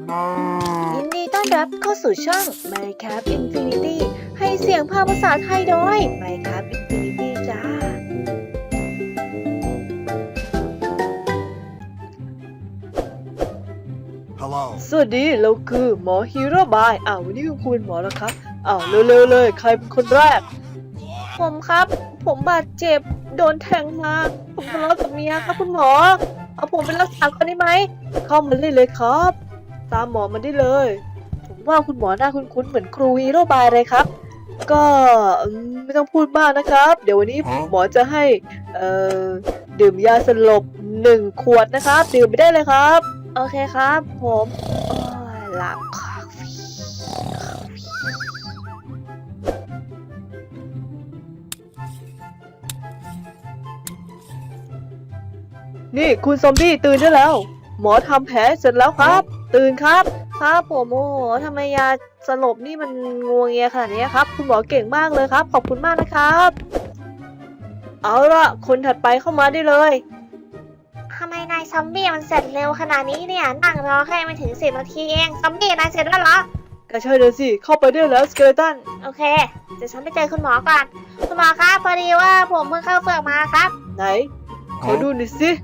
ยินดีต้อนรับเข้าสู่ช่อง Minecraft Infinity ให้เสียงภาษาไทยโดย Minecraft Infinity จ้าสวัสดีเราคือหมอฮีโร่บายวันนี้คุณหมอแล้วครับเร็วๆเลยใครเป็นคนแรกผมครับผมบาดเจ็บโดนแทงมาผมทะเลาะกับเมียครับคุณหมอเอาผมไปรักษาก่อนได้ไหมเข้ามาเลยครับตามหมอมาได้เลยผมว่าคุณหมอหน้าคุ้นๆเหมือนครูฮีโร่บายเลยครับก็ไม่ต้องพูดมากนะครับเดี๋ยววันนี้หมอจะให้ดื่มยาสลบ1 ขวดนะครับดื่มไปได้เลยครับโอเคครับผมหลับนี่คุณซอมบี้ตื่นได้แล้วหมอทำแผลเสร็จแล้วครับตื่นครับครับผมโอ้โหทำไมยาสลบนี่มันงวงเงียขนาดนี้ครับคุณหมอเก่งมากเลยครับขอบคุณมากนะครับเอาละคนถัดไปเข้ามาได้เลยทำไมนายซอมบี้มันเสร็จเร็วขนาดนี้เนี่ยนั่งรอแค่ไม่ถึง10 นาทีเองซอมบี้นายเสร็จแล้วเหรอก็ใช่เลยสิเข้าไปได้แล้วสเกเลตันโอเคเดี๋ยวฉันไปเจอคุณหมอก่อนคุณหมอครับพอดีว่าผมเพิ่งเข้าเฟือกมาครับไหนขอดูหน่อยสิ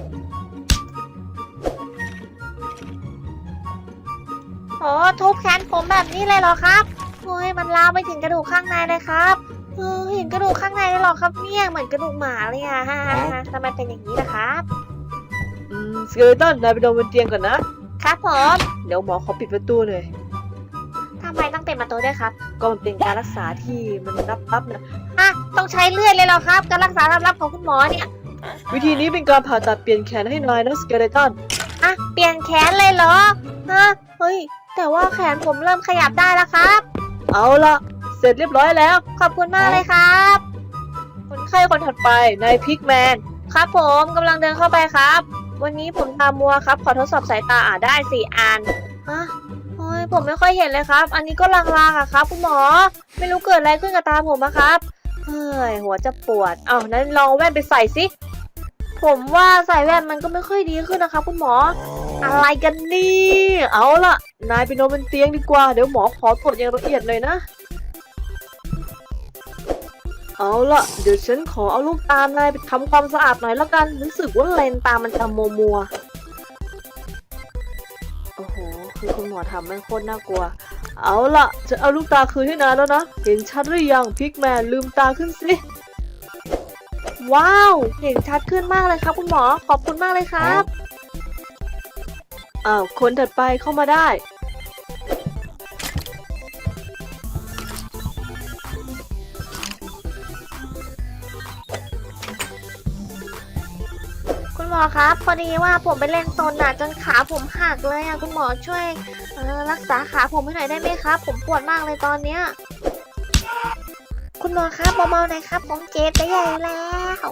โอ้ทุบแขนผมแบบนี้เลยเหรอครับโอ้ยมันลามไปถึงกระดูกข้างในเลยครับเห็นกระดูกข้างในเลยเหรอครับเนี่ยเหมือนกระดูกหมาเลยอะฮะทำไมเป็นอย่างนี้ล่ะครับสเกเลตันนายไปนอนบนเตียงก่อนนะครับผมเดี๋ยวหมอขอปิดประตูหน่อยทำไมต้องปิดประตูด้วยครับก็มันเป็นการรักษาที่มันลับๆนะต้องใช้เลือดเลยเหรอครับการรักษาลับๆของคุณหมอเนี่ยวิธีนี้เป็นการผ่าตัดเปลี่ยนแขนให้นายนะสเกเลตันเปลี่ยนแขนเลยเหรอเฮ้ยแต่ว่าแขนผมเริ่มขยับได้แล้วครับเอาละเสร็จเรียบร้อยแล้วขอบคุณมากเลยครับคนไข้คนถัดไปนายพิกแมนครับผมกำลังเดินเข้าไปครับวันนี้ผมตามัวครับขอทดสอบสายตาได้4 อันโอ้ยผมไม่ค่อยเห็นเลยครับอันนี้ก็ลางๆอะครับคุณหมอไม่รู้เกิดอะไรขึ้นกับตาผมนะครับเฮ้ยหัวจะปวดนั้นลองแว่นไปใส่สิผมว่าใส่แว่นมันก็ไม่ค่อยดีขึ้นนะครับคุณหมออะไรกันนี่เอาล่ะนายไปนอนบนเตียงดีกว่าเดี๋ยวหมอขอตรวจอย่างละเอียดเลยนะเอาล่ะเดี๋ยวฉันขอเอาลูกตานายไปทำความสะอาดหน่อยละกันรู้สึกว่าเลนตามันจะมัวโอ้โหคือคุณหมอทำมันโคตรน่ากลัวเอาล่ะฉันเอาลูกตาคืนให้นายแล้วนะเห็นชัดหรือยังพิกแมนลืมตาขึ้นสิว้าวเห็นชัดขึ้นมากเลยครับคุณหมอขอบคุณมากเลยครับคนถัดไปเข้ามาได้คุณหมอครับพอดีว่าผมไปเล่นโซนจนขาผมหักเลยคุณหมอช่วยรักษาขาผมให้หน่อยได้ไหมครับผมปวดมากเลยตอนเนี้ยคุณหมอครับเบาๆหน่อยครับผมเจ็บไปใหญ่แล้ว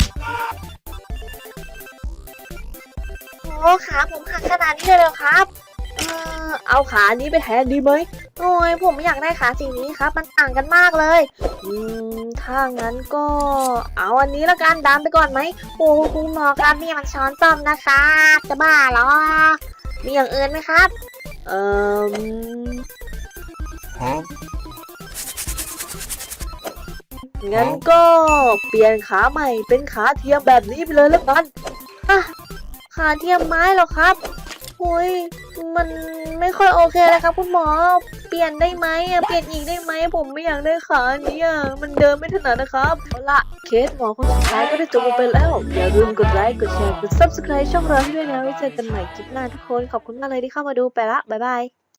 โอ้ขาผมหักขนาดนี้เลยเหรอครับเอาขานี้ไปแทนดีไหมโอ้ยผมอยากได้ขาสีนี้ครับมันต่างกันมากเลยถ้างั้นก็เอาอันนี้ละกันดามไปก่อนไหมโอ้คุณหมอครับนี่มันช้อนส้อมนะคะจะบ้าเหรอมีอย่างอื่นไหมครับงั้นก็เปลี่ยนขาใหม่เป็นขาเทียมแบบนี้ไปเลยแล้วกันขาเทียมไม้เหรอครับโอ้ยมันไม่ค่อยโอเคเลยครับคุณหมอเปลี่ยนได้ไหมเปลี่ยนอีกได้ไหมผมไม่อยากได้ขานี้มันเดินไม่ถนัดนะครับเอาละเคสหมอคนสุดท้ายก็ได้จบลงไปแล้วอย่าลืมกดไลค์กดแชร์กด Subscribe ช่องเราด้วยนะไว้เจอกันใหม่คลิปหน้าทุกคนขอบคุณมากเลยที่เข้ามาดูไปละบ๊ายบาย